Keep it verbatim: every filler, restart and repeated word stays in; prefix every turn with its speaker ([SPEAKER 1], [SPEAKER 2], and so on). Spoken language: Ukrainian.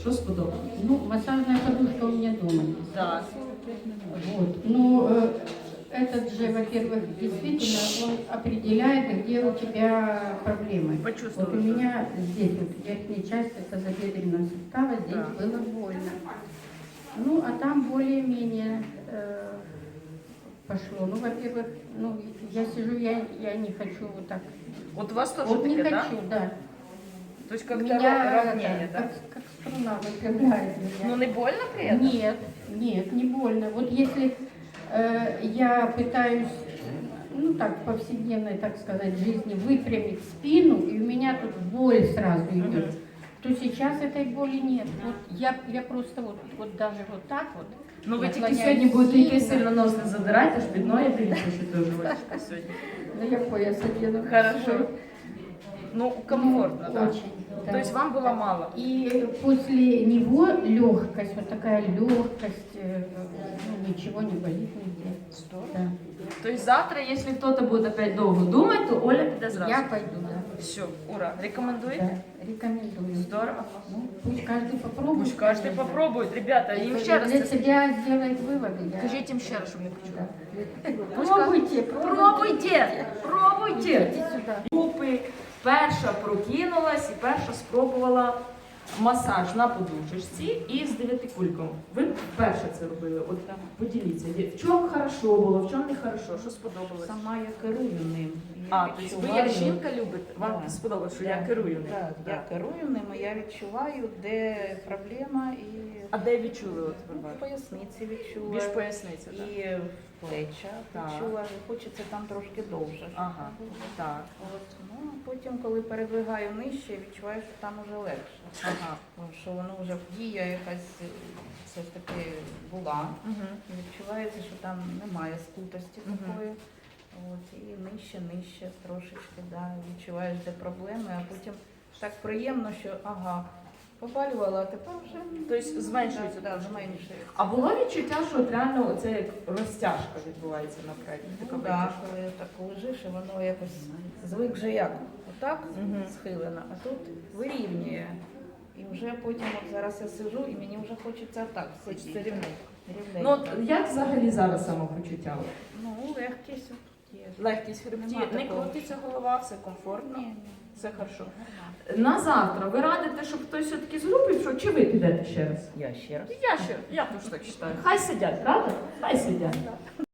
[SPEAKER 1] Що сподобалось?
[SPEAKER 2] Ну, массажная подушка у меня дома есть.
[SPEAKER 1] Так.
[SPEAKER 2] Вот. Ну, э, этот же, во-первых, действительно, он определяет, где у тебя проблемы.
[SPEAKER 1] Почувствовала,
[SPEAKER 2] Вот у
[SPEAKER 1] что-
[SPEAKER 2] меня здесь, вот, верхняя часть тазобедренного сустава, здесь
[SPEAKER 1] Да.
[SPEAKER 2] было больно. Ну, а там более-менее э, пошло. Ну, во-первых, ну, я сижу, я, я не хочу вот так.
[SPEAKER 1] Вот у вас тоже
[SPEAKER 2] Вот не
[SPEAKER 1] таке, да?
[SPEAKER 2] хочу, да.
[SPEAKER 1] То есть как-то
[SPEAKER 2] Меня
[SPEAKER 1] ровнее,
[SPEAKER 2] это,
[SPEAKER 1] да?
[SPEAKER 2] как, как струна выпрямляет меня.
[SPEAKER 1] Ну не больно при этом?
[SPEAKER 2] Нет, нет, не больно. Вот если э, я пытаюсь, ну так, в повседневной, так сказать, жизни выпрямить спину, и у меня тут боль сразу идет, то сейчас этой боли нет. Вот я, я просто вот, вот даже вот так вот.
[SPEAKER 1] Ну ви тільки
[SPEAKER 2] наклоняюсь
[SPEAKER 1] сьогодні будете йти
[SPEAKER 2] сильно.
[SPEAKER 1] сильно нос не задирайте, аж під ноги дивіться, що ти важка сьогодні.
[SPEAKER 2] Ну я пояс одену.
[SPEAKER 1] Хорошо. Ну, комфортно,
[SPEAKER 2] Ну,
[SPEAKER 1] да?
[SPEAKER 2] очень, да.
[SPEAKER 1] То есть вам было мало?
[SPEAKER 2] И после него легкость, вот такая легкость, э, ну, ничего не болит нигде.
[SPEAKER 1] Здорово.
[SPEAKER 2] Да.
[SPEAKER 1] То есть завтра, если кто-то будет опять долго думать, то Оля піде зразу.
[SPEAKER 2] Я пойду, да.
[SPEAKER 1] Все, ура. Рекомендуете?
[SPEAKER 2] Да, рекомендую.
[SPEAKER 1] Здорово.
[SPEAKER 2] Ну, пусть каждый попробует.
[SPEAKER 1] Пусть каждый
[SPEAKER 2] конечно.
[SPEAKER 1] попробует. Ребята, им
[SPEAKER 2] Для
[SPEAKER 1] ще раз це
[SPEAKER 2] себя сделает выводы. Я...
[SPEAKER 1] скажіть їм ще раз, щоб не почули.
[SPEAKER 2] Да. Пробуйте,
[SPEAKER 1] Пробуйте, пробуйте.
[SPEAKER 2] Идите сюда.
[SPEAKER 1] Групи перша прокинулась і перша спробувала масаж на подушечці і з дев'ятикульком. Ви перше це робили. От поділіться, в чому хорошо було, в чому не хорошо, що сподобалось?
[SPEAKER 3] Сама я керую ним.
[SPEAKER 1] А,
[SPEAKER 3] Я
[SPEAKER 1] тобто ви
[SPEAKER 3] відчуваю-
[SPEAKER 1] як жінка любите, вам
[SPEAKER 3] Да.
[SPEAKER 1] сподобалось, що
[SPEAKER 3] Да,
[SPEAKER 1] я керую ним?
[SPEAKER 3] да, Я керую ним, і я відчуваю, де проблема, і
[SPEAKER 1] А де відчули от
[SPEAKER 3] ну,
[SPEAKER 1] ви
[SPEAKER 3] в поясниці відчула,
[SPEAKER 1] Більш поясниця, так?
[SPEAKER 3] і в плечах
[SPEAKER 1] Так.
[SPEAKER 3] відчула, і хочеться там трошки довше.
[SPEAKER 1] Ага, так.
[SPEAKER 3] От, ну, а потім, коли передвигаю нижче, відчуваю, що там уже легше.
[SPEAKER 1] Ага.
[SPEAKER 3] Тому що воно вже дія якась е, все ж таки була.
[SPEAKER 1] Угу.
[SPEAKER 3] І відчувається, що там немає скутості
[SPEAKER 1] Мгм.
[SPEAKER 3] такої. От, і нижче, нижче трошечки, да, відчуваєш, де проблеми, а потім так приємно, що ага, побалювала, а тепер вже
[SPEAKER 1] Тобто зменшується
[SPEAKER 3] да, да,
[SPEAKER 1] трошки.
[SPEAKER 3] зменшується.
[SPEAKER 1] А було відчуття, що от реально оце як розтяжка відбувається наперед?
[SPEAKER 3] Ну,
[SPEAKER 1] Така
[SPEAKER 3] да,
[SPEAKER 1] витяжка?
[SPEAKER 3] коли так лежиш, і воно якось звик вже як отак
[SPEAKER 1] Мгм.
[SPEAKER 3] схилено, а тут вирівнює. І вже потім, от зараз я сижу, і мені вже хочеться так
[SPEAKER 1] Хочеться
[SPEAKER 3] сидіти.
[SPEAKER 1] рівненько.
[SPEAKER 3] Рівненько.
[SPEAKER 1] Ну от як взагалі зараз самопочуття?
[SPEAKER 3] Ну, легкість от є.
[SPEAKER 1] Легкість в хребті,
[SPEAKER 3] Нема
[SPEAKER 1] не
[SPEAKER 3] такого.
[SPEAKER 1] крутиться голова, все комфортно,
[SPEAKER 3] Ні, ні.
[SPEAKER 1] все хорошо.
[SPEAKER 3] Нормально.
[SPEAKER 1] На завтра ви радите, щоб хтось все-таки з групи пішов, чи ви підете ще раз?
[SPEAKER 3] Я ще раз.
[SPEAKER 1] Я ще, я теж так вважаю. Хай сидять, правда? Хай сидять.